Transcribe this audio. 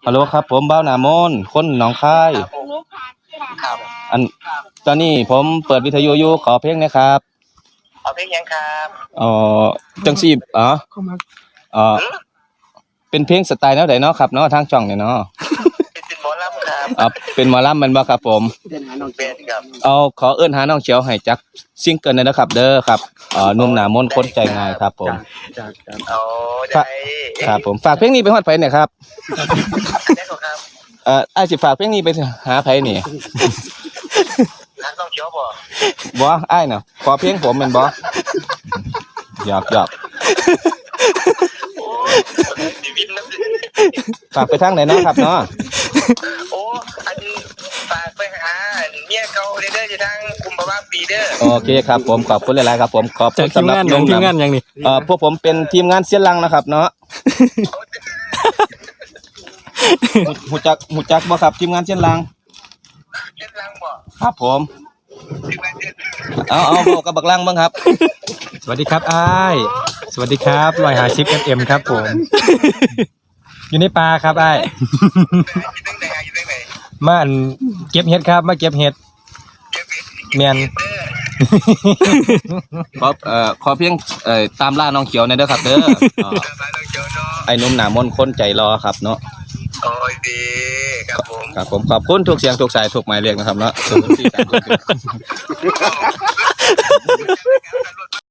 ฮัลโหลครับผมบ้าวหนามนคนหนองคายครับอันตอนนี้ผมเปิดวิทยุอยู่ขอเพลงนะครับเอาเพลงยังครับเอ่อจังสีเอ่อเป็นเพลงสไตล์แนวใดเนาะครับเนาะทางช่องเนี่ยเนาะเป็นหมอลำครับเป็นหมอลำแมันบ่ครับผมเป็นครับเอาขอเอิ้นหาน้องเขียวให้จักซิงเกิลหน่อยนะครับเด้อครับหนุ่มหนามนคนใจง่ายครับผมเอาได้ครับผมฝากเพลงนี้ไปฮอดไผเนี่ยครับได้ครับอ้ายสิฝากเพลงนี้ไปหาไผนี่ร้านต้องเขียวบ่บ่อ้ายน่ะขอเพลงผมแม่นบ่หยอกโอ้ชีวิตนะฝากไปทางไหนเนาะครับเนาะโอ้อันฝากไปหาเมียเก่าเด้อจะทางกุมภาวะปีเด้อโอเคครับผมขอบคุณหลายๆครับผมขอบคุณสำหรับทีมงานอย่างนี้พวกผมเป็นทีมงานเสียนลังนะครับเนาะ หูจักบ่ครับทีมงานเสียนลังเล่นลังบ่ครับผมที่บ้านเด้อเอาบอกกับบักลังเบิ่งครับสวัสดีครับอ้ายสวัสดีครับ150 FM ครับผม อยู่ในป่าครับอ้ายอยู่ตั้งไหนมาอันเก็บเห็ดครับมาเก็บเห็ดแม่นขอเพียงตามล่าน้องเขียวหน่อยเด้อครับเด้อร้านต้องเขียวเนาะไอ้หนุ่มหน้ามนต์คนใจรอครับเนาะโอ้ยดีครับผมครับผมขอบคุณทุกเสียงทุกสายทุกหมายเรียกนะครับเนาะ